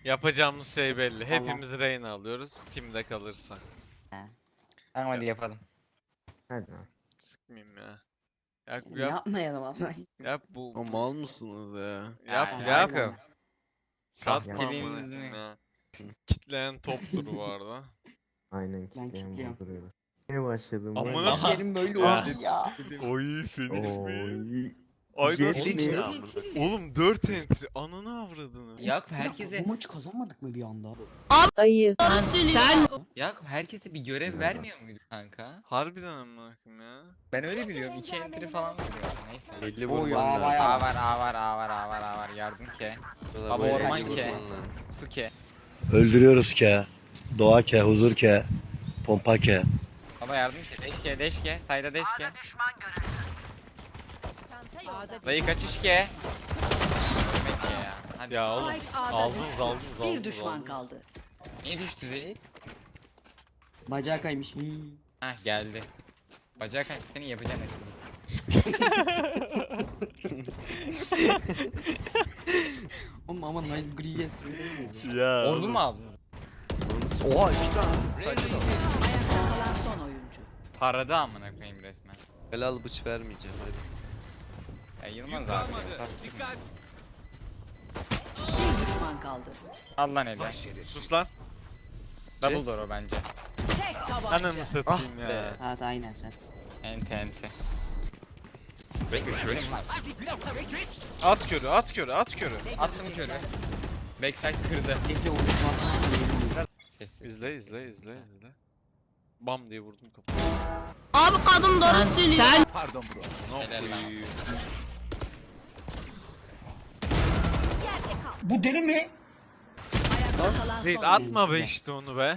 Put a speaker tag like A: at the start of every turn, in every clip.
A: Yapacağımız şey belli. Hepimiz Reyna alıyoruz. Kimde kalırsa.
B: Tamam hadi yapalım.
C: Hadi lan.
A: Sıkmayayım ya. Yap
D: Yapmayalım vallahi.
A: yap bu.
E: O mal mısınız ya?
A: Yap
B: Ya,
A: yap.
B: Yakup.
A: Satma
B: Kahpeliğiniz
A: amına
B: mi?
A: koyayım ya. Kitleyen toptur bu arada.
C: Aynen
D: Ben
C: kitleyen
D: kilitliyorum.
C: duruyoruz. Ne başladım?
A: Amına-
C: ben?
D: Sikerim böyle
A: Ya.
D: oldu ya.
A: Oy Phoenix mi?
C: Oy.
A: Ay
C: Jet
A: nasıl
C: mi?
A: içine? Oğlum 4 entry. Ananı avradını.
B: Yakup
D: Bir dakika,
B: herkese
D: bu maçı kazanmadık mı bir anda?
F: Ayı. Sen
B: Yakup herkese bir görev vermiyor muydu kanka?
A: Harbiden amına koyayım ya.
B: Ben öyle biliyorum. 2 entry falan veriyor. Neyse.
E: Belli
D: Oy,
E: vurman
D: aa,
E: lazım.
D: bayağı.
B: A var. Yardım ke.
E: Burada
B: Baba
E: böyle
B: orman
E: vurman
B: ke.
E: lazım.
B: Su ke.
G: Öldürüyoruz ke. Doğa ke, huzur ke, pompa ke.
B: Baba yardım ke. Deş ke. Sayda deş ke. Dayı kaçış ke. Ölmek ke ya. Hadi.
A: Ya oğlum aldınız.
F: bir düşman kaldı.
B: Niye düştü Zeyt?
D: Bacağı kaymış.
B: Hah geldi. Bacağı kaç senin yapacağın esprisi.
D: Oğlum ama nice gri yes değil mi?
A: Ya.
B: Ordu mu aldınız?
E: Oha 2 tane.
F: Ayakta kalan son oyuncu.
B: Taradı amına koyayım resmen.
E: Helal bıç vermeyeceğim hadi.
B: Ya Yılmaz abi. Sattık.
F: Bir düşman kaldı.
B: Al lan eli.
A: Sus lan.
B: Double door o bence.
F: Tek tabanca.
A: Ananı satayım
E: Ah
A: ya.
E: be.
D: Saat aynen saat.
B: Ente.
A: At körü.
B: Attım körü. Backside kırdı.
D: Defle unutmazsan.
B: Sessiz.
A: İzle. Bam diye vurdum kafasına.
F: Abi kadın doğru söylüyor. Sen
A: Ne
B: Helal lan.
A: koyayım?
D: Bu deli mi?
F: ayakta kalan
A: Değil
F: son
A: atma be işte onu be.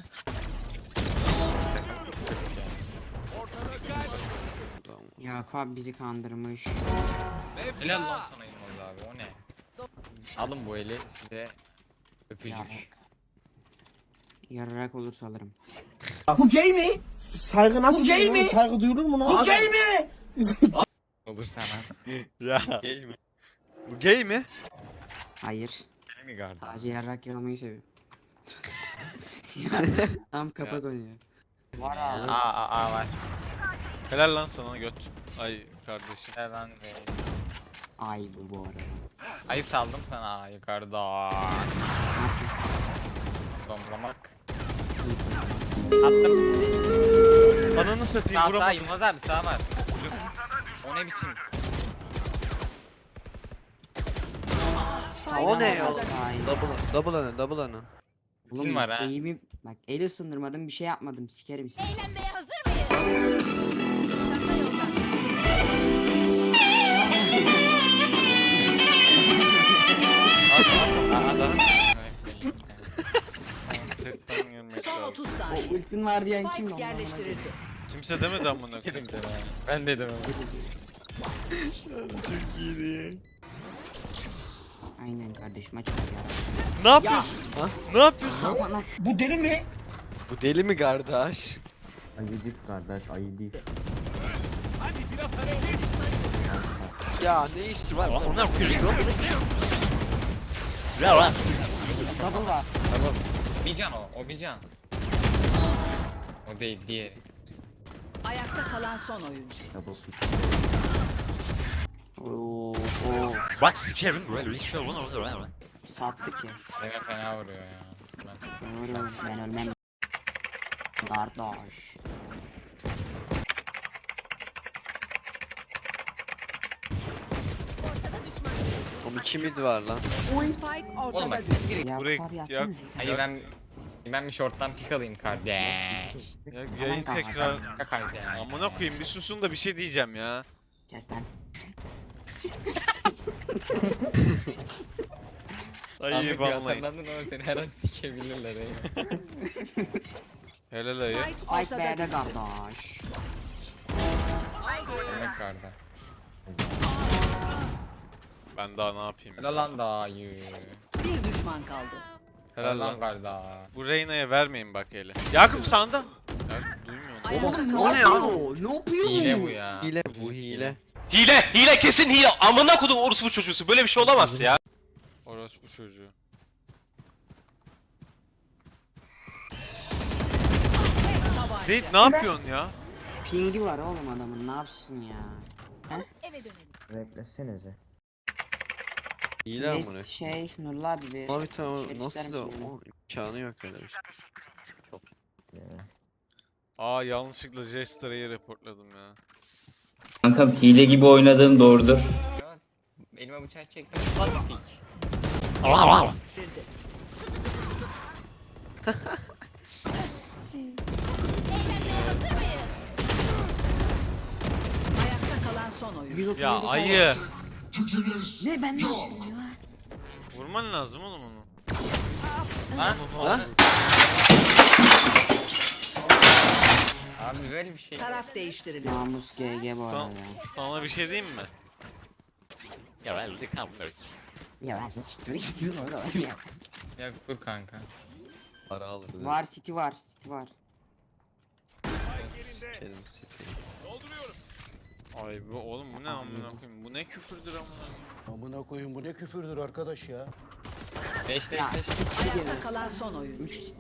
D: Yakup abi bizi kandırmış.
B: Helal lan sana Yılmaz abi o ne? Alın bu eli size öpücük.
D: Yarrak. Yarrak olursa alırım.
H: Bu gay mi? Saygı nasıl bu gay mi? Saygı duyulur mu lan? Bu gay mi?
B: Olur sana.
A: Ya.
E: Gay mi?
A: Bu gay mi?
D: Hayır.
B: Değil mi gardı?
D: Sadece yarrak yalamayı seviyor. Tam kapak oynuyor. Var abi.
B: Aa var.
A: Helal lan sana göt. Ay kardeşim.
B: Helal lan be.
D: Ay bu arada.
B: Ayı saldım sana yukarıda. Domlamak. Attım.
A: Ananı satayım
B: Sağ
A: vuramadım.
B: Yılmaz abi sağ var. O ne biçim?
E: O ne ya?
D: Ay.
E: Double önü.
B: Kim var ha?
D: Eğimi bak el ısındırmadım bir şey yapmadım sikerim seni.
I: Eğlenmeye hazır mıyız?
B: Aha da.
A: Setten girmek
F: son
A: lazım.
F: 30
D: O
F: saniye.
D: ultin var diyen kim
F: Spike
D: lan?
F: yerleştirildi.
A: Kimse demedi amına koyayım.
B: Ben dedim.
E: Çok iyiydi.
D: Aynen kardeşim aç ya.
A: Ne yapıyorsun? Ne yapıyorsun?
D: Aman
H: Bu deli mi?
E: Bu deli mi kardeş?
C: Ayı değil kardeş ayı değil.
E: Ya ne işi var?
D: double var.
B: Bir can o bir can. O değil diğeri.
F: Ayakta kalan son oyuncu.
C: Double pick.
D: Oo.
G: Bak sikerim.
D: Sattı ki.
B: Deme fena vuruyor ya.
D: Doğru ben ölmem. Kardeş.
E: Onun 2 mid var lan.
F: Spike
B: Oğlum
F: ortada
B: bak
F: düştü.
B: siz girin.
D: Ya
A: Buraya-
D: abi
A: ya-
D: atsanız bir tane.
B: Hayır ben bir shorttan pick alayım kardeş.
A: Ya, yayın tekrar.
B: Ya kardeş.
A: Amına koyayım bir susun da bir şey diyeceğim ya.
D: Kes lan.
A: Ay vallahi.
B: Hatırlandın ama seni her an sikebilirler ya.
A: Helal ayı.
F: Spike
D: Spike
F: ortada
D: B'de
F: düştü.
D: kardeş.
B: Demek karda.
A: Ben daha ne yapayım?
B: Helal lan dayı.
F: Bir düşman kaldı.
A: Helal lan.
B: karda.
A: Bu Reyna'ya vermeyin bak hele. Yakup sağında. Yakup duymuyor.
F: Ayakta
D: Oğlum ne
F: kalan
D: yapıyor? Ne yapıyor
B: Hile bu ya.
E: Hile bu hile.
J: Hile kesin hile. Amına kodum orospu çocuğusu. Böyle bir şey olamaz ya.
A: Orospu çocuğu. Seyit ne yapıyorsun ya?
D: Pingi var oğlum adamın, ne yapsın ya?
I: Eve dönelim.
C: Beklesenize.
E: Hile amına.
D: Şey Nurullah abi bir
E: Abi tamam
D: şey
E: nasıl
D: ister
E: da
D: misin
E: o imkanı yok öyle bir şey.
C: Ya.
A: Yanlışlıkla Jester'ı reportladım ya.
K: Kankam hile gibi oynadığım doğrudur.
B: Elime bıçak çektim. Plastik.
F: Ayakta kalan son oyuncu.
D: 137
A: Ya
D: kaldı.
A: ayı.
D: Ne ben ne yaptım ya?
A: Vurman lazım oğlum onu.
B: Ha?
E: Ha?
B: Abi böyle bir şey.
F: Taraf değiştiriliyor.
D: Namus GG bu arada ya.
A: Sana bir şey diyeyim mi?
D: Ya ben siktir gittim orada ya.
B: Ya dur kanka.
E: Para alır.
D: Var City var City var.
E: Sikerim siteyi.
A: Ay bu oğlum bu ne amına koyayım? Bu ne küfürdür amına koyayım?
G: Amına koyun bu ne küfürdür arkadaş ya.
B: 5 5
D: Ya
B: 5.
D: City
F: Ayakta
D: geliyor.
F: kalan son oyuncu.
D: 3 City.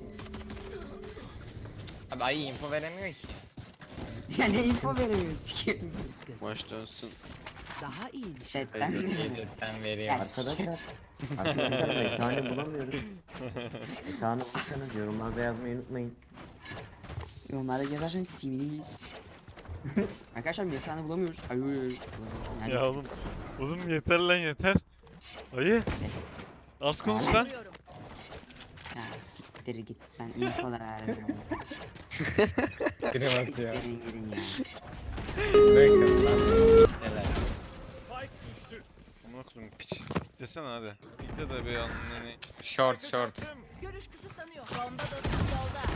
B: Abi ayı info veremiyor ki.
D: Ya ne info veremiyor sikerim.
E: Maç dönsün.
F: Daha iyiymiş.
D: Chatten
B: Yedirten veriyor.
D: Ya sikerim.
C: Arkadaşlar mekanı bulamıyoruz. Mekanı bulursanız yorumlarda yazmayı unutmayın.
D: Yorumlarda yazarsanız seviniriz. Arkadaşlar mekanı bulamıyoruz. Ayy.
A: Ya oğlum. Oğlum yeter lan yeter. Ayı. Az konuş lan.
D: Ya siktir git ben info da vermiyorum.
B: Kırım atıyor.
D: Siktirin gidin ya.
B: Bırakın lan. Neler.
A: Amına koyayım piç. Piklesene hadi. Pikle de bir anneni.
B: Short short.
I: Görüş kısıtlanıyor. Bomba dostum yolda.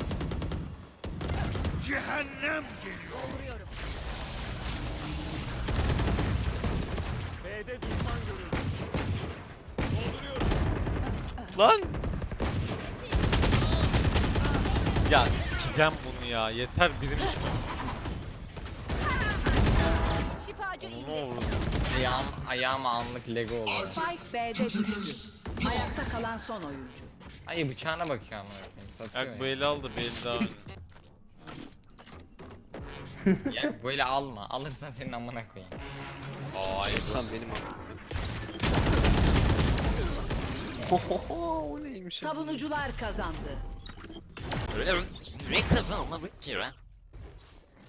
H: Cehennem
I: Dolduruyorum.
H: B'de düşman görüldü.
A: Lan! Ya sikeceğim bunu ya. Yeter birimiz
I: Şifacı
A: onu
I: indi.
A: ne olur.
B: Ayağım anlık Lego oldu.
F: Spike B'de düştü. Ayakta kalan son oyuncu.
B: Ayı bıçağına bakıyor ama satıyor
A: Yak bu
B: ya.
A: eli aldı bir eli daha oyna.
B: Ya böyle alma. Alırsan senin amına koyayım.
A: Hayır.
E: Sen benim o neymiş ya?
F: Savunucular kazandı.
J: Ne kazanmadık ki lan?